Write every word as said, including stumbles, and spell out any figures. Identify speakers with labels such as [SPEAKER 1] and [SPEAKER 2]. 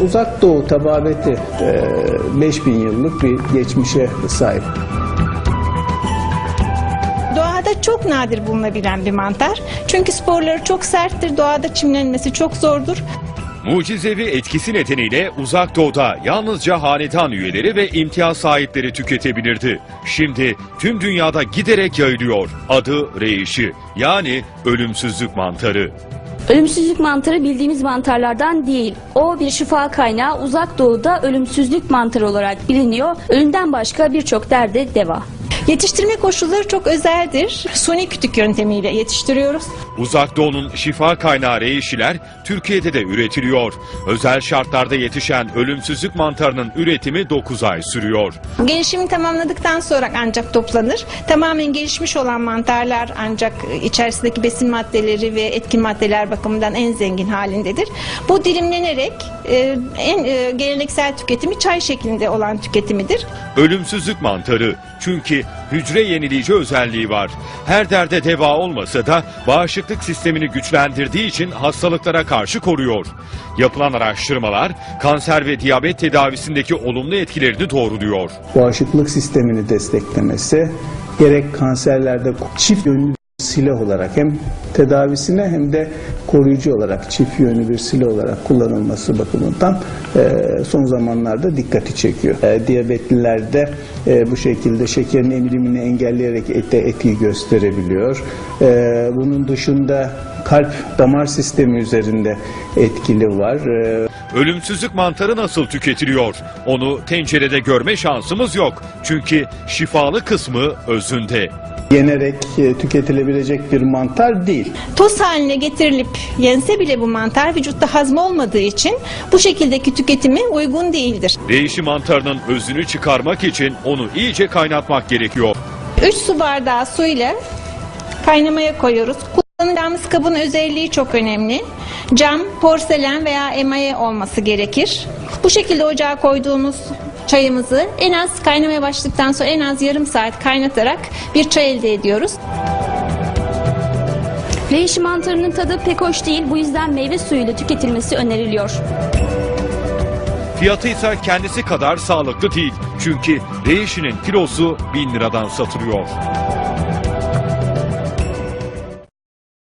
[SPEAKER 1] Uzak Doğu tababeti beş bin yıllık bir geçmişe sahip.
[SPEAKER 2] Doğada çok nadir bulunabilen bir mantar. Çünkü sporları çok serttir, doğada çimlenmesi çok zordur.
[SPEAKER 3] Mucizevi etkisi nedeniyle Uzak Doğu'da yalnızca hanedan üyeleri ve imtiyaz sahipleri tüketebilirdi. Şimdi tüm dünyada giderek yayılıyor. Adı reishi, yani ölümsüzlük mantarı.
[SPEAKER 4] Ölümsüzlük mantarı bildiğimiz mantarlardan değil. O bir şifa kaynağı, Uzak Doğu'da ölümsüzlük mantarı olarak biliniyor. Ölümden başka birçok derde deva.
[SPEAKER 2] Yetiştirme koşulları çok özeldir. Suni kütük yöntemiyle yetiştiriyoruz.
[SPEAKER 3] Uzak Doğu'nun şifa kaynağı reishiler Türkiye'de de üretiliyor. Özel şartlarda yetişen ölümsüzlük mantarının üretimi dokuz ay sürüyor.
[SPEAKER 2] Gelişimi tamamladıktan sonra ancak toplanır. Tamamen gelişmiş olan mantarlar ancak içerisindeki besin maddeleri ve etkin maddeler bakımından en zengin halindedir. Bu dilimlenerek e, en e, geleneksel tüketimi çay şeklinde olan tüketimidir.
[SPEAKER 3] Ölümsüzlük mantarı, çünkü hücre yenileyici özelliği var. Her derde deva olmasa da bağışıklık sistemini güçlendirdiği için hastalıklara karşı koruyor. Yapılan araştırmalar kanser ve diyabet tedavisindeki olumlu etkilerini doğruluyor.
[SPEAKER 1] Bağışıklık sistemini desteklemesi, gerek kanserlerde çift yönlü silah olarak hem tedavisine hem de koruyucu olarak çift yönlü bir silah olarak kullanılması bakımından e, son zamanlarda dikkati çekiyor. E, diyabetlilerde e, bu şekilde şekerin emilimini engelleyerek ete etki gösterebiliyor. E, bunun dışında kalp damar sistemi üzerinde etkili var. E,
[SPEAKER 3] Ölümsüzlük mantarı nasıl tüketiliyor? Onu tencerede görme şansımız yok. Çünkü şifalı kısmı özünde.
[SPEAKER 1] Yenerek e, tüketilebilecek bir mantar değil.
[SPEAKER 2] Toz haline getirilip yense bile bu mantar vücutta hazm olmadığı için bu şekildeki tüketimi uygun değildir.
[SPEAKER 3] Reishi mantarının özünü çıkarmak için onu iyice kaynatmak gerekiyor.
[SPEAKER 2] üç su bardağı su ile kaynamaya koyuyoruz. Kullanacağımız kabın özelliği çok önemli. Cam, porselen veya emaye olması gerekir. Bu şekilde ocağa koyduğumuz çayımızı en az kaynamaya başladıktan sonra en az yarım saat kaynatarak bir çay elde ediyoruz.
[SPEAKER 4] Reishi mantarının tadı pek hoş değil, bu yüzden meyve suyuyla tüketilmesi öneriliyor.
[SPEAKER 3] Fiyatı ise kendisi kadar sağlıklı değil. Çünkü reishinin kilosu bin liradan satılıyor.